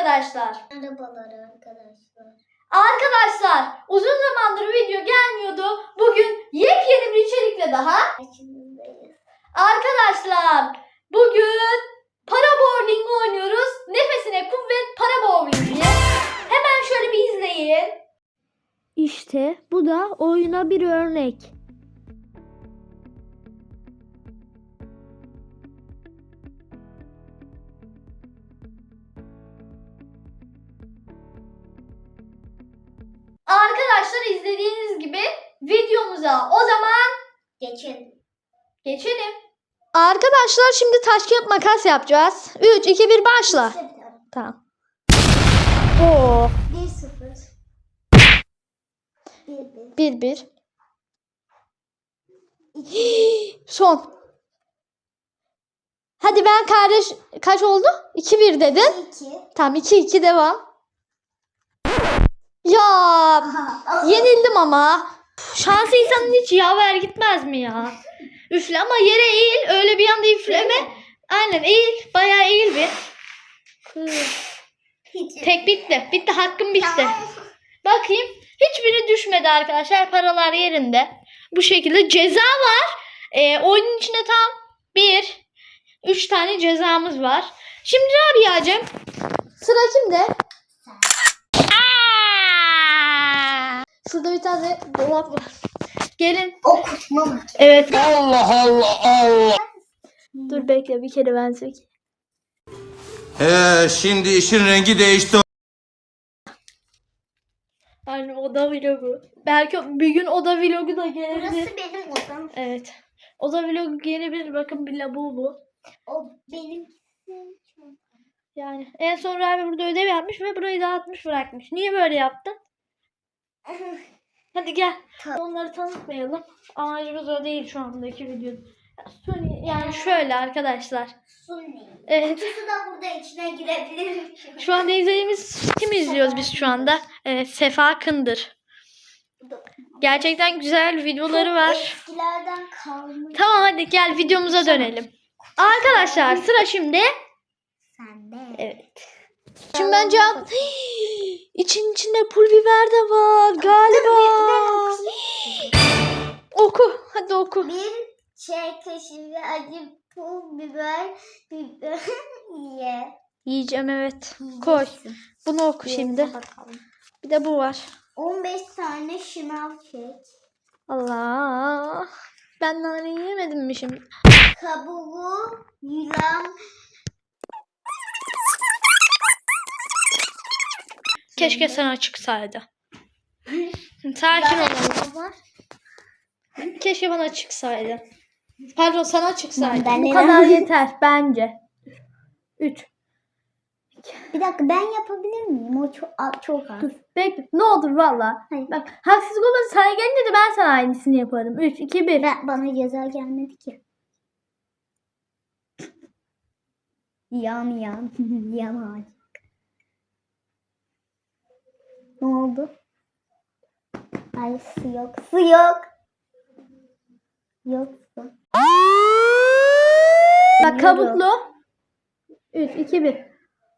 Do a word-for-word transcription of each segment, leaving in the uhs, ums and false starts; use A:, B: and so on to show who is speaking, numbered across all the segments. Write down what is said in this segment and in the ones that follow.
A: arkadaşlar.
B: Merhabalar arkadaşlar.
A: Arkadaşlar uzun zamandır video gelmiyordu. Bugün yepyeni bir içerikle daha
B: Karşınızdayız.
A: arkadaşlar bugün para bowling oynuyoruz. Nefesine kuvvet para bowling diye. Hemen şöyle bir izleyin.
C: İşte bu da oyuna bir örnek.
A: Arkadaşlar izlediğiniz gibi videomuza o zaman
B: Geçin.
A: geçelim.
C: Arkadaşlar şimdi taş kağıt makas yapacağız. üç iki bir başla. Tamam. Oo,
B: bir sıfır. bir bir.
C: bir bir. Son. Hadi ben kardeş kaç oldu? iki bir dedin.
B: iki.
C: Tamam iki iki devam. Ya yenildim ama.
A: Şansı insanın hiç yaver gitmez mi ya? Üfle ama yere eğil. Öyle bir anda üfleme. Aynen eğil. Bayağı eğil bir.
B: Hiç.
A: Tek bitti. Bitti. Hakkım bitti. Bakayım. Hiçbiri düşmedi arkadaşlar. Paralar yerinde. Bu şekilde ceza var. Ee, oyunun içinde tam bir, üç tane cezamız var. Şimdi Rabia'cığım sıra kimde?
C: Şurada bir tane dolap var.
A: Gelin.
B: Okutma mı?
A: Evet.
D: Allah Allah Allah.
C: Dur bekle bir kere ben söyleyeyim.
D: Ee, şimdi işin rengi değişti.
A: Aynen oda vlogu. Belki bir gün oda vlogu da gelebilir.
B: Burası benim odam.
A: Evet. Oda vlogu gelebilir. Bakın bir labubu.
B: O benim.
A: Yani en son Rabi burada ödev yapmış ve burayı dağıtmış bırakmış. Niye böyle yaptın? Hadi gel.
B: Ta-
A: Onları tanıtmayalım. Amacımız o değil şu andaki video. Yani şöyle arkadaşlar.
B: Sunni.
A: Evet.
B: İkisi de burada içine girebilir.
A: Şu anda izlediğimiz kimi izliyoruz biz şu anda? Evet, Sefa Kındır. Gerçekten güzel videoları var.
B: Eskilerden kalmış.
A: Tamam hadi gel videomuza dönelim. Arkadaşlar sıra şimdi.
B: Sende.
A: Evet.
C: Şimdi ben cevap... İçin içinde pul biber de var galiba. Oku. Hadi oku.
B: Bir çay kaşığı ve acı pul biber biber ye.
C: Yiyeceğim evet. Koy. Bunu oku şimdi.
B: Bakalım.
C: Bir de bu var.
B: on beş tane şınav çek.
C: Allah. Ben nane yemedim mi şimdi?
B: Kabuğu yılan.
A: Keşke sana çıksaydı. Sakin olalım. Keşke bana çıksaydı. Pardon sana çıksaydı.
B: Ben
C: Bu
B: neden-
C: kadar yeter bence. üç.
B: Bir dakika ben yapabilir miyim? O çok çok az.
C: Dur bekle. Ne olur valla.
B: Hayır.
C: Bak haksızlık olmasın sana gelince de ben sana aynısını yaparım. üç, iki, bir.
B: Ben, bana ceza gelmedi ki. Yan yan. Yan ağaç. Ne oldu? Ay su yok. Su yok. Yok su.
C: Bak kabuklu. üç, iki, bir.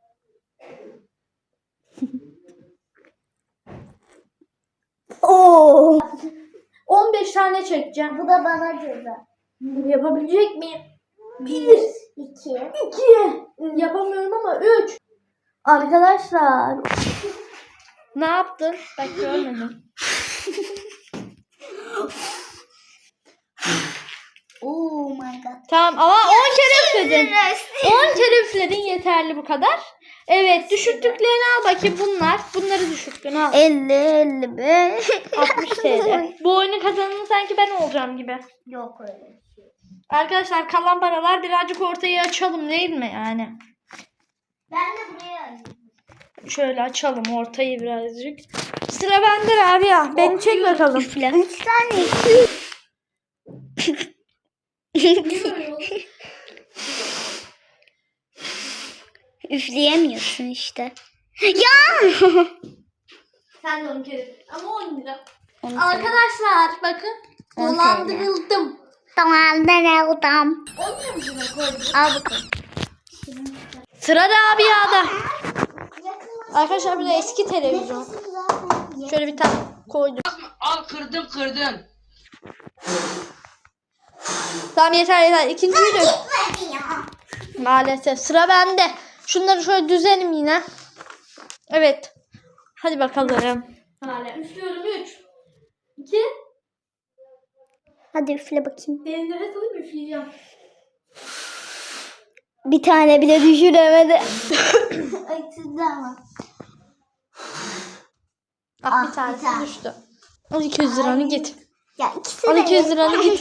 B: Oo.
A: on beş tane çekeceğim.
B: Bu da bana ceza.
A: Yapabilecek miyim?
B: Bir. iki.
A: iki. Yapamıyorum ama üç.
C: Arkadaşlar.
A: Ne yaptın? Bak görmedim.
B: Oh my god.
A: Tamam ama on kere üfledin. on kere üfledin yeterli bu kadar. Evet düşürttüklerini al bakayım bunlar. Bunları düşürttün al.
B: elli elli beş.
A: altmış T L. Bu oyunun kazananı sanki ben olacağım gibi.
B: Yok öyle.
A: Arkadaşlar kalan paralar birazcık ortaya açalım değil mi yani?
B: Ben de buraya alayım.
A: Şöyle açalım ortayı birazcık. Sıra bende Rabia. Beni çek bakalım.
B: Üfle. Üç tane. Üfleyemiyorsun işte. Ya!
A: Sen de on kere. Ama on lira.
B: on
A: Arkadaşlar bakın.
B: on
A: Dolandırıldım.
B: Tamam ben aldım.
A: on lira mı koydum?
B: Al bakalım.
A: Sıra Rabia'da.
C: Arkadaşlar bu da eski televizyon.
B: Zaten
C: Şöyle bir tane koydum.
E: Al kırdım kırdım.
C: Tamam yeter yeter. İkinciyi dök.
B: yetmedi ya.
C: Maalesef sıra bende. Şunları şöyle düzelim yine. Evet. Hadi bakalım. Hala üflüyorum. üç iki
B: Hadi üfle bakayım.
C: Benim nefes alayım üfleyeceğim.
B: Bir tane bile düşüremedi. Ay sizde ama.
C: Ah,
B: Ah,
C: bir
B: bir
C: tanesi
B: tane.
C: düştü. Al iki yüz liranı git.
B: Ya ikisi
C: Al
B: de
C: iki yüz liranı git.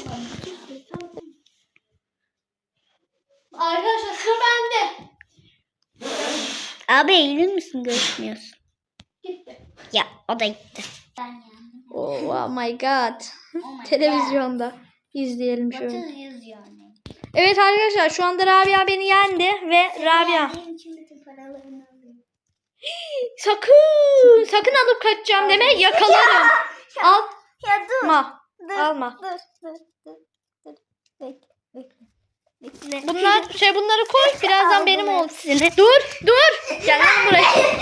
A: Arkadaşlar sıra bende.
B: Abi eğilir misin? Görüşmüyorsun.
A: Gitti.
B: Ya o da gitti.
C: Oh, oh my god. Televizyonda izleyelim şöyle.
B: yani.
C: Evet arkadaşlar şu anda Rabia beni yendi ve Rabia
B: Benim için bütün paralarını alıyor.
C: sakın sakın alıp kaçacağım deme yakalarım. Al.
B: Ya dur.
C: Ma.
B: Dur.
C: Alma.
B: Dur dur dur. dur. Bekle. Bekle. Bekle.
C: Bunlar şey bunları koy birazdan
B: Al
C: benim
B: bunu.
C: olsun. Dur dur. Gel lan buraya.